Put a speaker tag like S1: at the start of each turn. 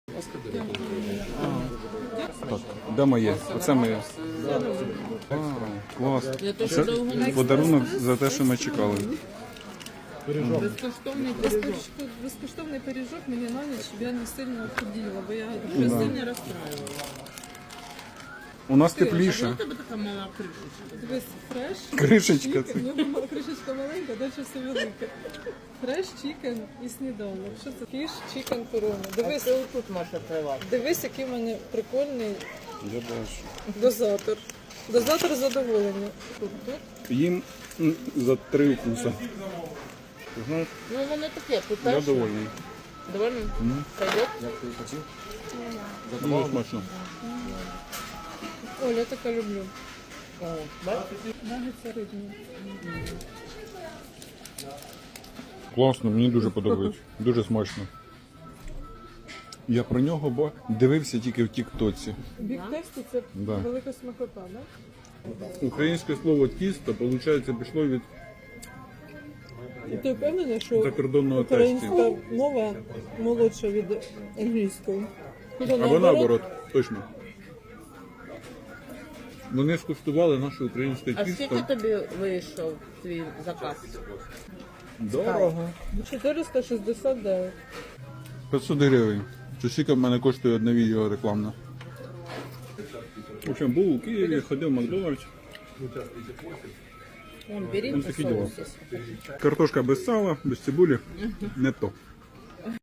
S1: Так, де моє? Оце моє. Клас. Це подарунок за те, що ми чекали.
S2: Безкоштовний пиріжок мені на ніч, щоб я не сильно охуділа, бо я дуже сильно розстраювала.
S1: У нас тепліше.
S3: У тебе така мала кришечка.
S2: Дивись, фреш.
S1: Кришечка це.
S2: У нього кришечка маленька, далі все велике. Фреш, чікен і сніданок. Що це? Фіш, чікен, корона. Дивись,
S3: Тут можна тривати.
S2: дивись, який в мене прикольний
S1: Я бачу.
S2: дозатор. Дозатор задоволення. Тут.
S1: Їм за 3 укуса. Знаєш,
S3: Ну воно таке, тут
S1: я
S3: теж.
S1: довольний.
S3: Довольно? Пойдет?
S1: Дуже смачно.
S2: Оля, я таке люблю.
S3: О, бачиш?
S2: Нагетси рибні.
S1: Класно, мені дуже подобається. Дуже смачно. Я про нього дивився тільки в Тік-Тоці.
S2: Бік тесті це
S1: Да.
S2: велика смакота, так?
S1: Українське слово тісто, виходить, пішло від
S2: І ти впевнений, що
S1: закордонного тесті.
S2: українська мова молодша від англійської?
S1: Або наоборот, точно. Вони скуштували наше українське
S3: А скільки
S1: тісто.
S3: тобі вийшов твій заказ?
S1: Дорого.
S2: 469.
S1: 500 гривень. Це скільки в мене коштує одне відео рекламне. В общем, був у Києві, ходив в Макдональдс.
S3: Вон, беріть
S1: Ось
S3: на
S1: такі діла.
S3: соусі.
S1: Картошка без сала, без цибулі. Не то.